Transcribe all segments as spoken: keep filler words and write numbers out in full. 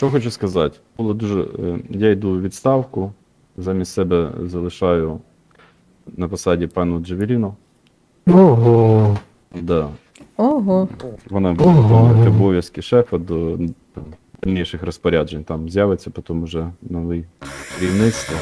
Що хочу сказати? Було дуже. е, Я йду у відставку, замість себе залишаю на посаді пану Джавеліну. Ого. Да. Ого. Вона буде виконувати обов'язки шефа до там, дальніших розпоряджень. Там з'явиться потім уже новий керівництво.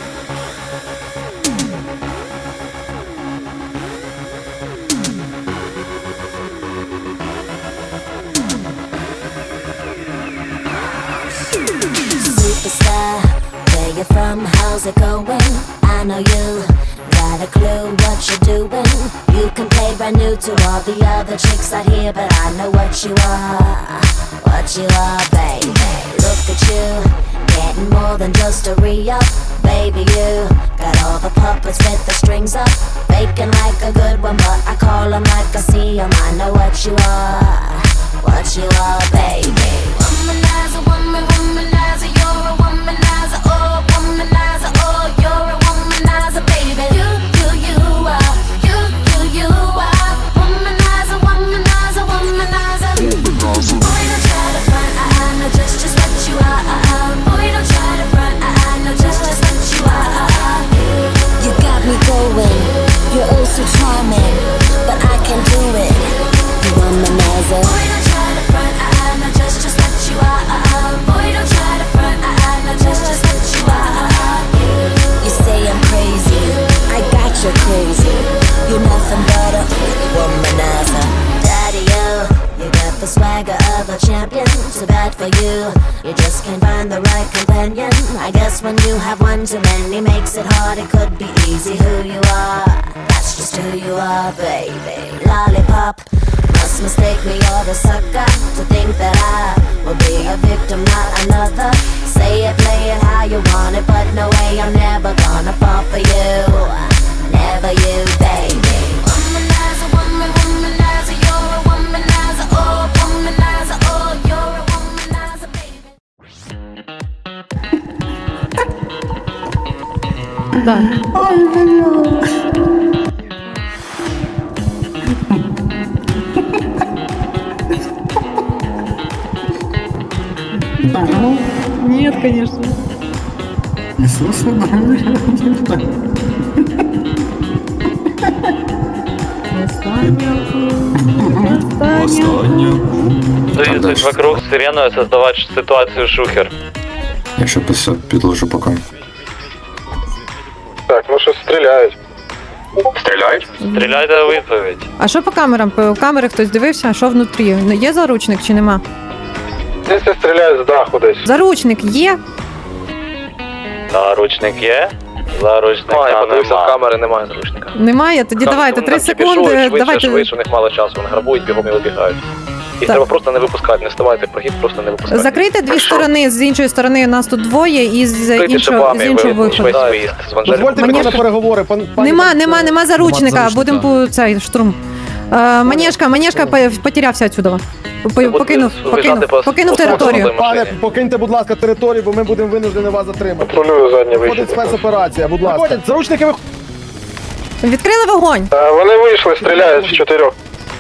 Superstar, where you from, how's it going? I know you got a clue what you're doing. You can play brand new to all the other chicks out here, but I know what you are, what you are, baby. Look at you, getting more than just a re-up. Baby, you got all the puppets with the strings up, faking like a good one, but I call them like I see them. I know what you are, what you are, baby. Womanizer, woman, womanizer, you're a womanizer, oh, womanizer, oh, you're a womanizer, baby. You, you, you are, you, you, you are, womanizer, womanizer, womanizer. Boy, don't try to front, I, I know just, just what you are. Boy, don't try to front, I, I know just, just what you are. You got me going, you're oh so charming, but I can do it. You womanizer. Boy, don't try to front, I, I know just, just what you are. Boy, don't try to front, I, I know just, just what you are. You say I'm crazy, I got you crazy. You're nothing but a womanizer. Daddy, you, you got the swagger of a champion. Too bad for you, you just can't find the right companion. I guess when you have one too many makes it hard. It could be easy who you are. That's just who you are, baby. Lollipop, must mistake me or a sucker to think that I will be a victim, not another. Say it, play it how you want it, but no way, I'm never gonna fall for you. Never you, baby. Womanizer, woman, womanizer, you're a womanizer, oh, womanizer, oh, you're a womanizer, baby. Да. Нет, конечно. Иисус, Двигаться вокруг сиреной, создавать ситуацию шухер. Я ще підложу поки. Так, ну що стріляють. Стріляють? Стріляйте у відповідь. А що по камерам? По камери хтось дивився? Що внутрі? Ну, є заручник чи нема? Десь стріляють з даху десь. Заручник є? Заручник є? Заручника А, я подивився в нема. камери, немає зручника. Немає? Тоді давайте три секунди. Швидше, Давайте. швидше, у них мало часу, вони грабують, бігом і вибігають. Їх Так. треба просто не випускати, не ставайте прогиб, просто не випускати. Закрийте дві сторони, з іншої сторони нас тут двоє, і з Закрийте іншого, шипами, з іншого ви- виходу. весь виїзд з Ванжелі. Дозвольте Мені мені ж- на переговори. Пан, пані Нема, Пан- нема, нема заручника, заручника. будемо по цей штурм. Е, Манежка, Манежка по- потерявся отсюда. По- Будете Покинув, виїжджати покинув, по- покинув по- територію. по- Пане, покиньте, будь ласка, територію, бо ми будемо винуждені вас затримати. Контролюю заднє Виходить вихід. спецоперація, будь ласка. Виходять, заручники виходять. Відкрили вогонь. Е, Вони вийшли, стріляють в чотирьох.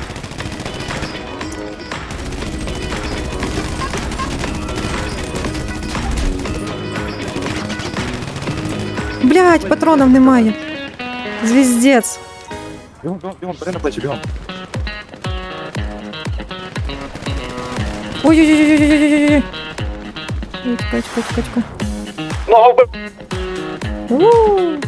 Блять, патронів немає. Звіздець. Бігом, бігом, бігом, бери на плечі, бігом. Ой-ой-ой-ой-ой-ой-ой. Ой, Чекай, чекай, чекай, чекай. Ногу вбив, У.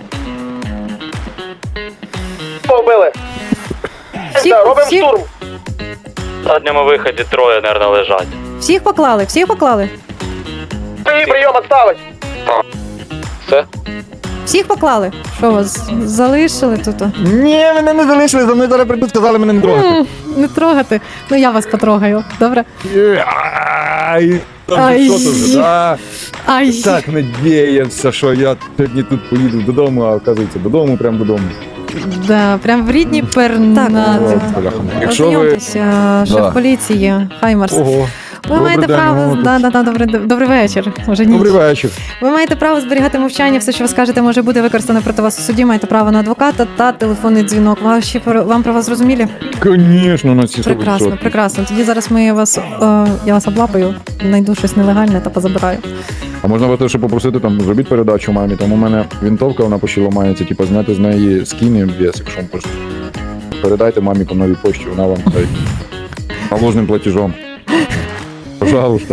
вбили. Всіх, Так, робимо всіх, штурм. В задньому виході троє, нервно лежать. всіх поклали, всіх поклали. Прийом, прийом, відставить. Все? Всіх поклали. Що вас залишили тут? Ні, мене не залишили, за мною зараз прийдуть, сказали мене не трогати. М, Не трогати. Ну я вас потрогаю. Добре? Ай, там Ай. же що то вже, да? Ай. Так надіявся, що я сьогодні тут поїду додому, а оказується додому, прямо додому. Да, прям в рідні пернати. О, бляха. Якщо ви... Ознайомтеся, шеф Да. поліції, Хаймарс. Ого. Ви маєте день, право. ну, Да, да, да, добрий, добрий вечір. Уже ніч. Добрий вечір. Ви маєте право зберігати мовчання, все, що ви скажете, може бути використано проти вас у суді. Маєте право на адвоката та телефонний дзвінок. Ваші про- вам про вас зрозумілі? Звісно, на ці Прекрасно, прекрасно. Тоді зараз ми вас, е, я вас облапаю, знайду щось нелегальне та позабираю. А можна вас ще попросити, там, зробіть передачу мамі, там у мене вінтовка, вона почала ламається, типу, зняти з неї скін і ем ві ес, якщо вам просто. Передайте мамі по новій почті, вона вам дай наложним платежом. Пожалуйста.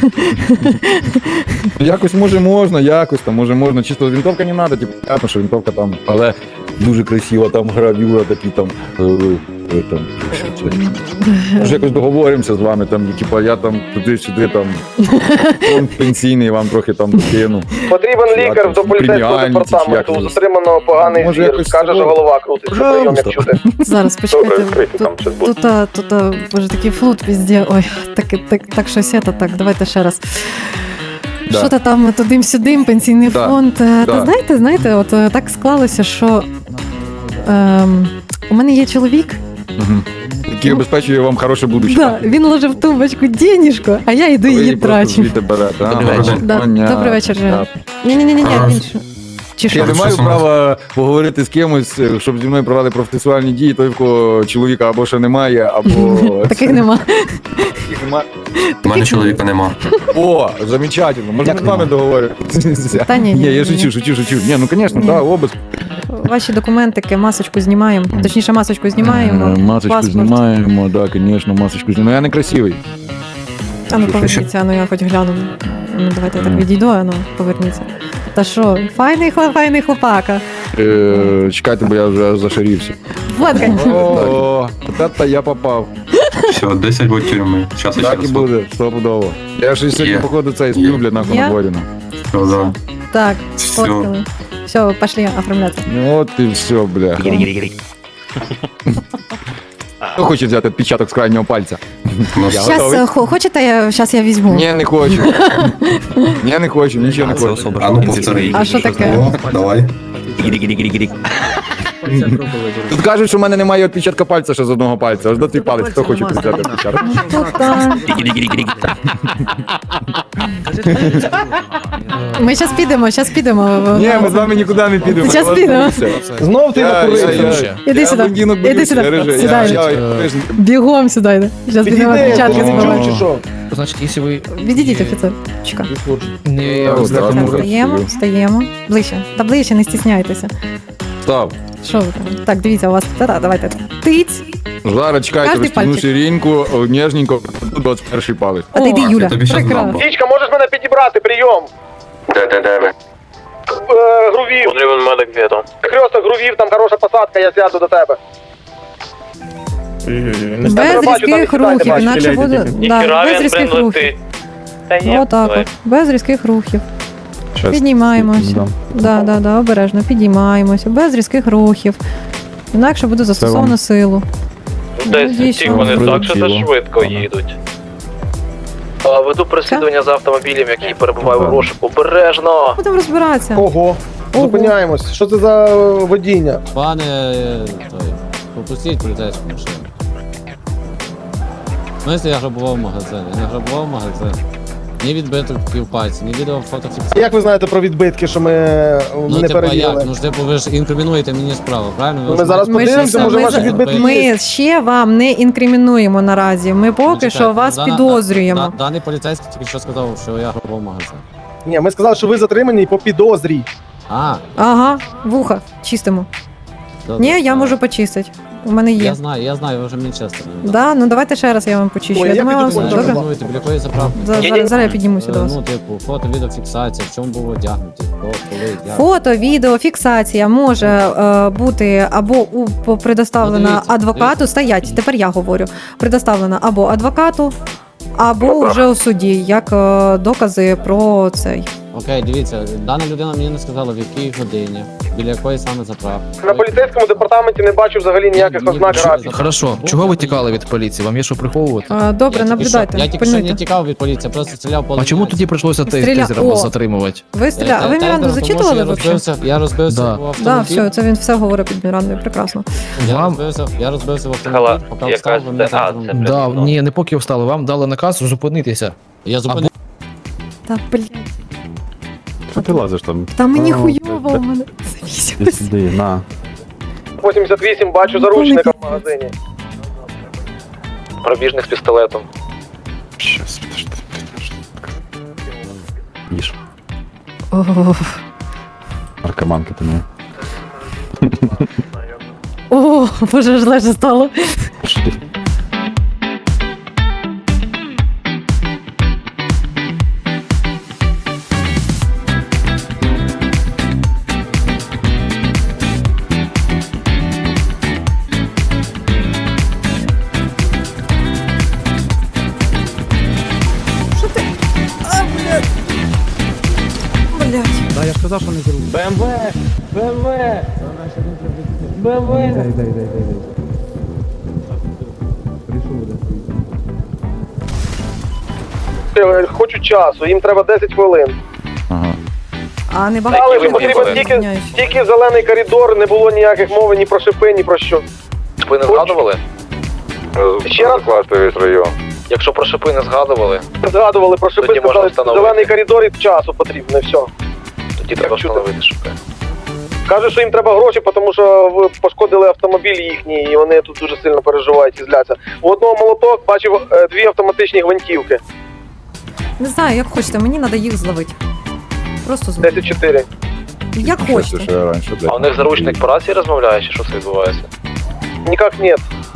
Якось може можна, якось там, може можна. Чисто вінтовка не треба, типу, понятно, що вінтовка там, але дуже красива, там гравюра, такі там. е, е, там що це? Може якось договоримося з вами, там, типу, я там туди-сюди там фонд пенсійний вам трохи там докину. Потрібен Чи лікар якось до поліцейського преміальні, чи департаменту. як У це? затриманого поганий Може, зір. якось Каже, що цього? голова крутиться. Прийом як Пожалуйста. чути. Зараз почекайте. відкрийте, Тут, там щось буде. тут, а, тут, а, боже, такий флут везде. Ой, так, так, так щось це, так, давайте ще раз. Да. Що то там тудим-сюдим, пенсійний Да. фонд. Е, Да. Та знаєте, знаєте, от е, так склалося, що ем, у мене є чоловік, Мгм. Який обезпечує вам хороше будущее. да, він ложив в тумбочку денежку, а я йду Ви її просто трачу. звідти берете. Ага. Добрий вечір. Да. Понятно. Добрий вечір, Женя. Так. Ні-ні-ні, А. він що? Чи що? Я не маю права поговорити з кимось, щоб зі мною провели процесуальні дії, той, в кого чоловіка або ще немає, або... Таких нема. Таких нема. У мене чоловіка нема. О, замечательно. Можна з вами договоритися. Та ні, ні, Ні, я ні, шучу, ні. шучу, шучу. Ні, ну, звісно, Ні. так, обиск. Ваші документики, масочку знімаємо. Точніше, масочку знімаємо. Е, Масочку паспорт. знімаємо, так, звісно, масочку знімаємо. Я не красивий. А ну Що, поверніться, ну я хоч гляну. Ну давайте я так Мгм. відійду, а ну поверніться. Та що, файний хлоп, файний хлопака. Е, Чекайте, бо я вже зашарівся. Фоткай. О, от це я попав. Все, десять буде тюрми. Щас я ще Так і раз. буде, стопудово. Я ж сьогодні, Є. походу, цей Є. сплю, блядь, нахуй Я? на дворі. ну. Все, да. Так, Все. сфоткали. Все, пошли оформляться. Ну от і все, бля. Хто хоче взяти відпечаток з крайнього пальця? Ну, Я все. готовий. Зараз хочете, я зараз я візьму. Ні, не хочу. Ні, не хочу, нічого не хочу. А ну повтори. А що таке? О, давай. Тут кажуть, що в мене немає відпечатка пальця ще з одного пальця. Аж до цей палець, хто хоче взяти відпечаток? Тут, а. Ми зараз підемо, зараз підемо. Ні, ми з вами нікуди не підемо. Щас Я вас підемо. боюся. Знов ти Я- я- накурився. я- Іди я сюди, блондинок іди боюся, сюди, режи. Я- сідай. я- я- Бігом сюди йде. Зараз підемо Підійди, відпечатки ти не збивати. чув чи що? Значит, если вы Відійдіть, офіцер. Чекай. не Ось так, Так, ну, стаємо, красиво. стаємо. Ближче. Та ближче, не стісняйтеся. Став. Що ви там? Так, дивіться, у вас та, давайте. Тиць. Зараз чекайте, Каждый розтягну пальчик. ширинку, ніжненько, двадцять перший палець. А ти йди, О, Юля. тобі щас Прекрасно. дам. Дічка, можеш мене підібрати, прийом. Де, де, де ви? Е, грувів. Потрібен медик відом. Хресток грувів, там хороша посадка, я сяду до тебе. Без бачу, там різких і сідайте, рухів, бачу, інакше буде. Да, Ніхіра без він, різких блин, рухів. летить. Та ні, Отак давай. от. Без різких рухів. Щас. Піднімаємося. Да. Да, да, да, обережно. Піднімаємося. Без різких рухів. Інакше буде застосовано силу. Десь дійсно. ті вони так, що Прилетіло. це швидко їдуть. А, веду переслідування за автомобілем, який перебуває у розшуку. Обережно. Будемо розбиратися. Ого. Ого. Зупиняємось. Що це за водіння? Пане, е, той, попустіть поліцейську машину. Ну, якщо я грабував магазин, я не грабував магазин. Ні відбитків пальців, ні відео фотофіксації. Як ви знаєте про відбитки, що ми Ну, не типа, як? перевірили? Ну ж типу, ви ж інкримінуєте мені справу, правильно? Ви Ми ж зараз маєте- подивимося, ще- може ми ваші за- відбитки є. Ми ще вам не інкримінуємо наразі. Ми Ну, поки чекайте, що вас дана- підозрюємо. да- Даний поліцейський тільки що сказав, що я грабував магазин. Ні, ми сказали, що ви затримані по підозрі. А, Ага, вуха, чистимо. да, Ні, да, я да. можу почистити. У мене Я є. знаю, я знаю, ви вже мені чесно. Да, ну давайте ще раз я вам почищу. Ой, Я я думаю, вам піду все по добре. Добре. Біля якої заправки? За- Зараз, зараз я піднімуся до Е, вас. Ну, типу, фото, відеофіксація, в чому було одягнуті, хто, коли, як. Фото, відео, фіксація може е, бути або у по- предоставлена Ну, дивіться, адвокату. дивіться. Стоять, тепер я говорю. Предоставлена або адвокату, або вже у суді, як е, докази про цей. Окей, дивіться, дана людина мені не сказала, в якій годині, біля якої саме заправки. На поліцейському департаменті не бачу взагалі ніяких Ні, ознак ні, графіки. Хорошо, чого ви тікали від поліції? Вам є що приховувати? А, добре, Я тільки наблюдайте. що- Я тільки що не пильнуйте. тікав від поліції, просто стріляв по А чому тоді прийшлося тей- Стріля- тейзером О! вас затримувати? Ви стріля... А ви Тейзером, Міранду тому що зачитували я взагалі? розбився, я розбився Да. в Да, автомобіль. все, це він все говорить під Мірандою, прекрасно. Я Вам- розбився, я розбився в Хала, автомобіль, поки якась встав, ви мене це- а, там це- Да, Ну. ні, не поки встали, вам дали наказ зупинитися. Я зупинив. Та, блядь, Що ти лазиш там? та мені А, хуйово блядь, у мене. Іди сюди, на. вісімдесят вісім, бачу заручника в магазині. Пробіжник з пістолетом. Щас, подожди, подожди. Їж. О, Наркоманка ти не. О, боже, аж легше стало. Пошли. Що ти? А, блядь. Блядь. Да, я ж казав, що не зробив. БМВ! БМВ! БМВ! Е, Хочу часу, їм треба десять хвилин. Ага. А не багато. Але ви ж потрібно хотіли? тільки, тільки зелений коридор, не було ніяких мови ні про шипи, ні про що. Ви не згадували? Ще раз Якщо про шипи не згадували, згадували про шипи, Тоді можна сказали, встановити. зелений коридор і часу потрібно, і все. тоді треба чути? встановити шипи. Кажуть, що їм треба гроші, тому що ви пошкодили автомобіль їхній, і вони тут дуже сильно переживають і зляться. У одного молоток бачив е, дві автоматичні гвинтівки. Не знаю, як хочете, мені треба їх зловити. Просто зловити. десять чотири. Як Що хочете. ще раніше, блядь. А у них заручник по рації розмовляє, чи що це відбувається? Ніяк ні.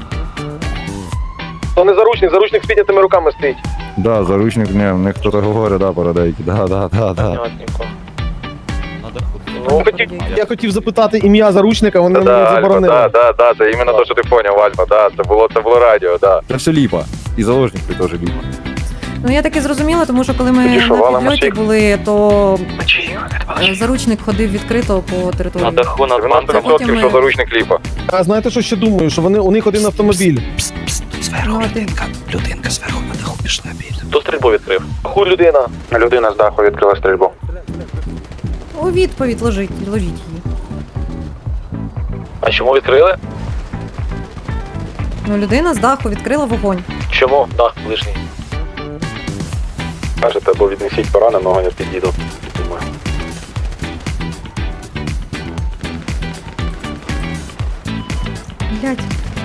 То не заручник, заручник з піднятими руками стоїть. Да, заручник, ні, в них хтось говорить, да, парадейки, да, да, да, да. Понятненько. Ну, хотів, я хотів запитати ім'я заручника, вони мені заборонили. да, да, це іменно те, що ти поняв, Альфа, да, це було, це було радіо, да. Це все ліпа. І заложник ти теж ліпа. Ну я таки зрозуміла, тому що коли ми Тоді що, на валимо підльоті всіх? були, то е, заручник ходив відкрито по На території. даху над Це потім ми- заручник ліпа. А знаєте, що ще думаю? Що вони, у них один автомобіль. Ну, один. Хто стрільбу відкрив? Хуй людина. Людина з даху відкрила стрільбу. У відповідь ложіть, ложіть її. А чому відкрили? Ну, людина з даху відкрила вогонь. Чому? Дах ближній. Кажете, або віднесіть пораненого, я підійду. Блять.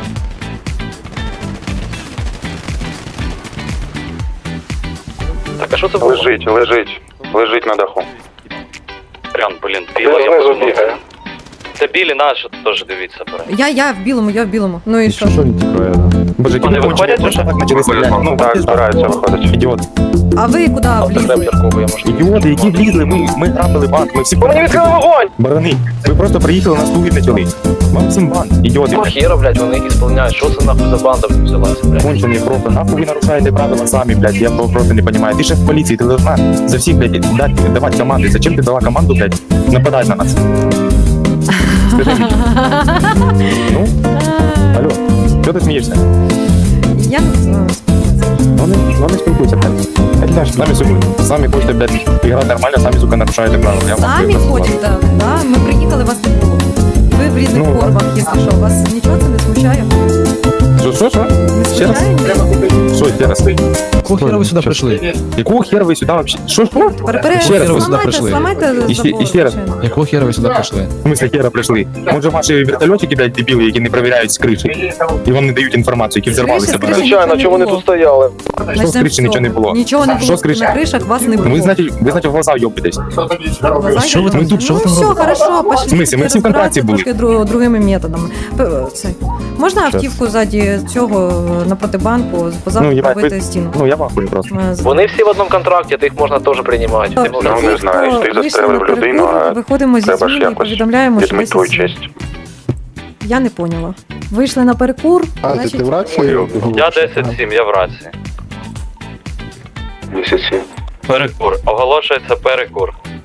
Так, а що це було? лежить, лежить на даху. Прям, блін, Де білий. знизу бігає? Це білі наші, теж дивіться. бере. Я, я в білому, я в білому. Ну і що? Що він тікає, да? Боже, Вони виходять вже? почали стріляти. Ну, так, збираються виходить. Ідіот. А ви куди влізли? Автотрептерку, я можу. Ідіоти, які влізли, ми, ми грабили банк, ми всі Вони відкрили вогонь! барани. Ви просто приїхали, нас туги почали. Вам всім банк, ідіоти. Хера, блядь, вони їх ісполняють. Що це нахуй за банда взялася, блядь? Кончений просто, нахуй ви нарушаєте правила самі, блядь, я просто не розумію. Ти шеф поліції, ти должна за всіх, блядь, дати, давати команди. Зачем ти дала команду, блядь, нападати на нас? Скажи мені. Ну, алло, що ти смієшся? Я не знаю. Ну не, ну не спілкуйся, блядь. Блядь, самі, сука, самі хочете, блядь, грати нормально, самі, сука, нарушаєте правила. Я вам Самі говорю, хочете, да? Ми приїхали, вас не було. Ви в різних Ну, формах, якщо що. Вас нічого це не смущає? Що, що, що? Не Ще раз? смущає? ні? Що, ще раз? Якого хера ви сюди Щас. прийшли? Якого хера ви сюди вообще? Що, що? Перепере, Ще раз ви сюди зламайте, прийшли. зламайте І ще- забор, і ще раз. звичайно. Якого хера ви сюди прийшли? В смысле хера прийшли? Може ваші вертольотики, блядь, дебіли, які не перевіряють з криші, і вони не дають інформацію, які взорвалися. З криші, з блядь. криші. Звичайно, не чого вони було. тут стояли? Що з Начнемо криші цього. нічого не було? Нічого не Що було. з криші? На кришах вас не було. Ну ви значить, ви значить в глаза йобитесь. Глаза Що ви йдуть? там- тут, що ви там Ну все, робите? хорошо, пошли. В смислі? Ми всі в контракті були. Трошки дру- другими методами. П- Це. Можна автівку ззаді цього напроти банку, позаду Ну, їбать, побити ви- стіну? Ну я вахую просто. Е, з- Вони всі в одному контракті, то їх можна теж приймати. Ті, Ну, не знаю, хто ти вийшли застрелив на перекур, людину, а виходимо зі треба ж зміни і якось повідомляємо, що відмити десь... твою честь. Я не поняла. Вийшли на перекур, А, значить... ти в рації? Я десять сім, я в рації. Місяці. Перекур. Оголошується перекур.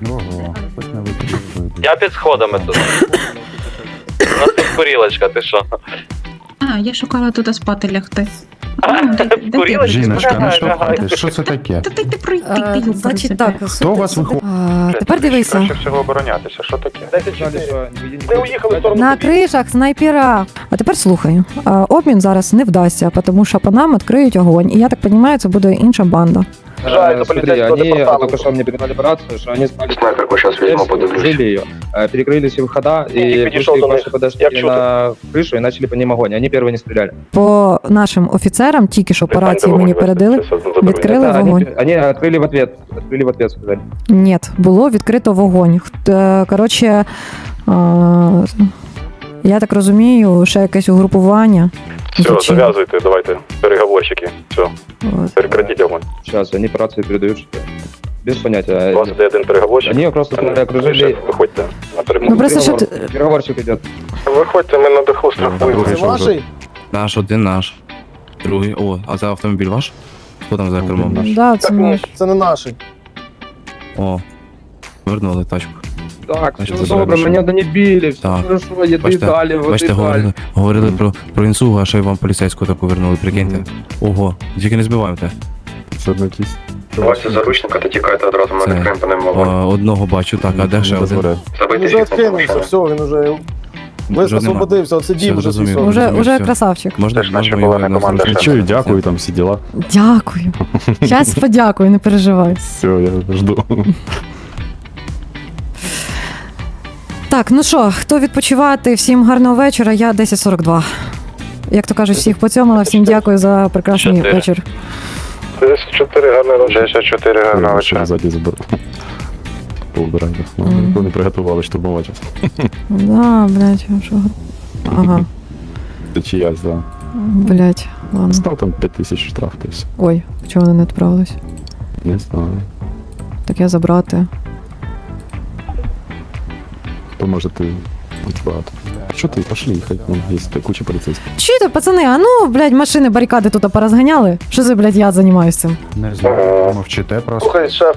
Я під сходами тут. У нас тут курілочка, ти що? А, я шукала тут спати лягти. Курілочка? Жіночка, ну що Лягай, ти? Що це таке? Та дайте пройти, Е, ти Значить так, Хто у вас виходить? а, тепер дивися. всього оборонятися, що таке? десять чотири. Ми уїхали в сторону. На кришах снайпера. А тепер слухай. А, Обмін зараз не вдасться, тому що по нам відкриють огонь. І я так розумію, це буде інша банда. Жаль, до поліцейського департаменту. только что мне передали операцию, что они спали, Снайперку зараз візьму, подивлюсь. жили ее, э, перекрыли все выхода Ник и подошел вышли до них. ваши подошли Я чую. на крышу и начали по ним огонь. Они первые не стреляли. По нашим офіцерам, тільки що по рації мені передали, відкрили Да, вогонь. они, они открыли в ответ, открыли в ответ, сказали. Ні, було відкрито вогонь. Хт- Коротше, а, я так розумію, ще якесь угрупування. Зачем? давайте, переговорщики. Все, От. прекратіть огонь. Сейчас они по рации передают, что без понятия. іде один переговорщик. Они просто сказали, окружили. Виходьте на Ну просто що Переговор- ти... Переговорщик идет. Виходьте, ми на даху страхуємо. Це ваші? Наш один наш. Другий. О, а це автомобіль ваш? Хто там за кермом? Да, це Так, ні, наш. це не наші. О, вернули тачку. Так, Значит, все забираем добре, машину. мене донебили, все Так. хорошо, еды Бачите, дали, воды Бачите, дали. говорили, говорили про, про інсугу, а ще й вам поліцейську таку вернули, прикиньте. Ого, тільки не збиваєте. Все одно якісь. Бачите заручника, та тікайте одразу, ми Це, відкриємо по ним А, вогонь. одного бачу, так, а де ще один? Він Забийте вже їх, відкинувся, все, він уже Вже нема. освободився, оце Все, дім вже зрозумів. свій. Уже, розумію, уже все. красавчик. Можна, Це ж наша можна була його не на команда, зручний ще. Чую, дякую, там всі діла. Дякую. Зараз подякую, не переживай. Все, я жду. Так, ну що, хто відпочивати? Всім гарного вечора. Я десять сорок два. Як то кажуть, всіх поцьомила, всім дякую за прекрасний Чотири. вечір. десять чотири, гарний вечір. десять чотири, гарного вечора. Ззаді заберу. Поубирайте. Мгм. Ніхто не приготували штурмувати. Да, блядь, що. Ага, Це чиясь, да. блядь, ладно. Став там п'ять тисяч штраф, то все. Ой, чого вони не відправились? Не знаю. Так я забрати. То може ти хоч багато. Що ти, пошли, хай, ну, є куча поліцейських. Чуєте, пацани, а ну, блядь, машини, барикади тут порозганяли. Що за, блядь, я займаюся цим? Не знаю, мовчите просто. Слухай, шеф,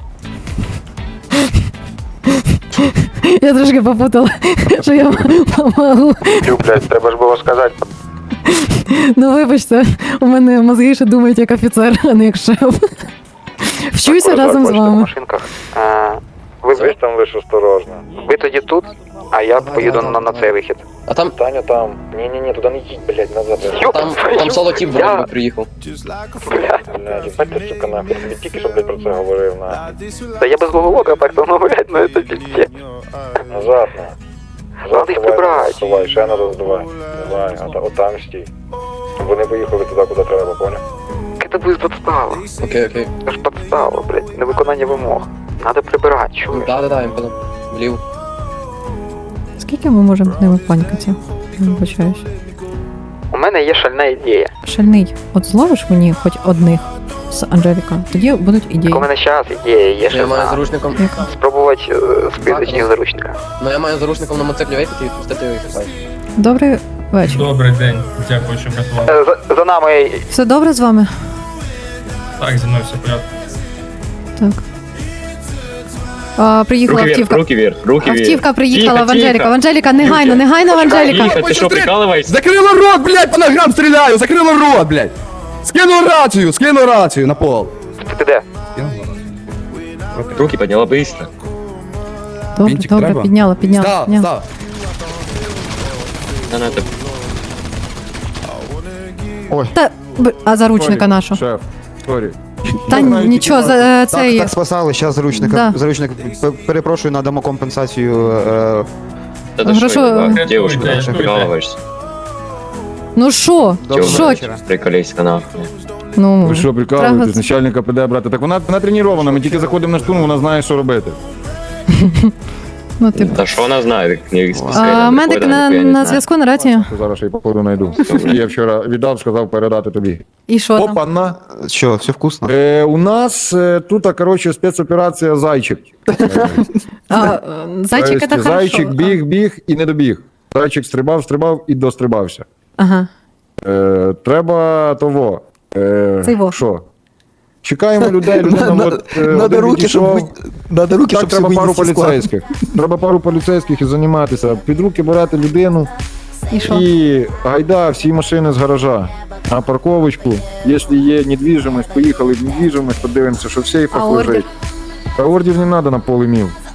Я трошки попутала, що я можу. Блядь, треба ж було сказати. Ну, вибачте, у мене мозги ще думають як офіцер, а не як шеф. Вчуся разом з вами. Ви ви там лиш осторожно. Ви тоді тут, а я поїду на, на цей вихід. А там, Таня там. Ні-ні-ні, туди не їдь, блядь, назад. там, там солотів Я- вроді би приїхав. Блядь, їбать ти, сука, нахуй. Тобі тільки що, блядь, про це говорив, на. Та я без головолока так, то, ну, блядь, ну, це піздець. Назад, на. Назад їх прибрати. Давай, ще надо здавай. Давай, а та- отам стій. Вони поїхали туди, куди треба, поняв? Це буде подстава. Окей, окей. Це ж подстава, блядь, невиконання вимог. Надо прибирати, чуєш? Да, да, да, він потім влів. Скільки ми можемо з ними панькати? Я вибачаюсь. У мене є шальна ідея. Шальний, от зловиш мені хоч одних з Анжеліка, тоді будуть ідеї. У мене зараз ідея є Я ще маю одна. заручником. Яка? Спробувати е, списочних заручника. Ну я маю заручником на мотоциклі виїхати і відпустити його і хай. Добрий вечір. Добрий день, дякую, що врятували. Е, За, за нами Все добре з вами? Так, зі мною все в порядку. Так. А, приїхала автівка. руки вверх, руки Автівка приїхала в Анжеліка. В Анжеліка, негайно, негайно в Анжеліка. Ты что, прикалываешься? Закрыла рот, блядь, по ногам стреляю, закрыла рот, блядь. Скинул рацию, скинул рацию на пол. ти де? Руки подняла быстро. Добре, Вінчик добре, треба? підняла, підняла. Став, підняла. став. Та, б- а заручника нашого? Шеф, сорі. Та нічого, за е, цей... Так спасали, зараз заручник, Да. заручник, п- перепрошую, надамо компенсацію. Е, Грошо... Девушка, Ну що? Доброго Що? вечора. Приколіська нахуй. Ну, Ви що, прикалуєтесь? Трагас. Начальника піде брати. Так вона натренірована, ми тільки заходимо на штурм, вона знає, що робити. ну типу. Та що вона знає? А, медик на, на зв'язку на рації. Зараз я її походу знайду. Я вчора віддав, сказав передати тобі. І що там? Опа, на. Що, все вкусно? Е, у нас е, тут, а, коротше, спецоперація «Зайчик». А, е, зайчик, це Тобто, хорошо. Зайчик біг, біг і не добіг. Зайчик стрибав, стрибав і дострибався. Ага. Е, треба того. Е, Цей во. Що? Чекаємо людей, людина На- от, е, Надо один руки, щоб відійшов. ви- надо руки, Так, щоб треба всі пару винести з складу. поліцейських. Треба пару поліцейських і займатися. Під руки брати людину І що? і гайда всі машини з гаража. А парковочку, якщо є недвіжимость, поїхали в недвіжимость, подивимося, що в сейфах А ордер? лежить. А ордер не треба на поле міл.